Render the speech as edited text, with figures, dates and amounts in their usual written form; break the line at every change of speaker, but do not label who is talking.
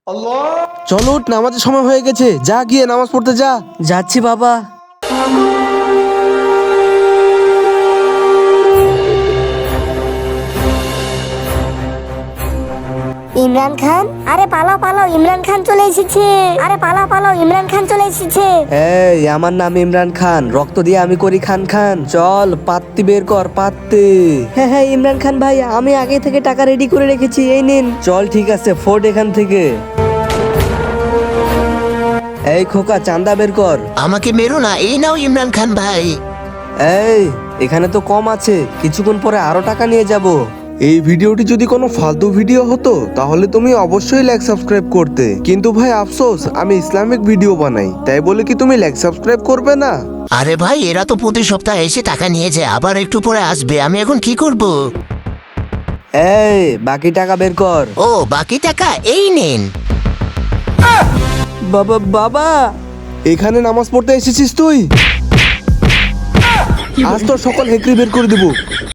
চলো উঠ, নামাজের সময় হয়ে গেছে, যা গিয়ে নামাজ পড়তে যা।
যাচ্ছি বাবা।
ইমরান খান, আরে পালাও পালাও, ইমরান খান চলে এসেছে। আরে পালাও পালাও, ইমরান খান চলে এসেছে।
এই আমার নাম ইমরান খান, রক্ত দিয়ে আমি করি খান খান। চল পাত্তি বের কর, পাত্তি। হ্যাঁ হ্যাঁ ইমরান খান ভাই, আমি আগে থেকে টাকা রেডি করে রেখেছি, এই নিন। চল ঠিক আছে, ফোর্ড এখান থেকে। এই খোকা, চাঁদা বের কর।
আমাকে মেরো না, এই নাও ইমরান খান ভাই।
এই এখানে তো কম আছে, কিছুক্ষণ পরে আরো টাকা নিয়ে যাব।
এই ভিডিওটি যদি কোনো ফালতু ভিডিও হতো তাহলে তুমি অবশ্যই লাইক সাবস্ক্রাইব করতে, কিন্তু ভাই আফসোস আমি ইসলামিক ভিডিও বানাই, তাই বলে কি তুমি লাইক সাবস্ক্রাইব করবে না?
আরে ভাই, এরা তো প্রতি সপ্তাহে এসে টাকা নিয়ে যায়, আবার একটু পরে আসবে, আমি এখন কি করব?
এই বাকি টাকা বের কর।
ও বাকি টাকা এই নেন।
বাবা বাবা,
এখানে নামাজ পড়তে এসেছিস তুই? আজ তোর সকল হেকড়ি বের করে দেবো।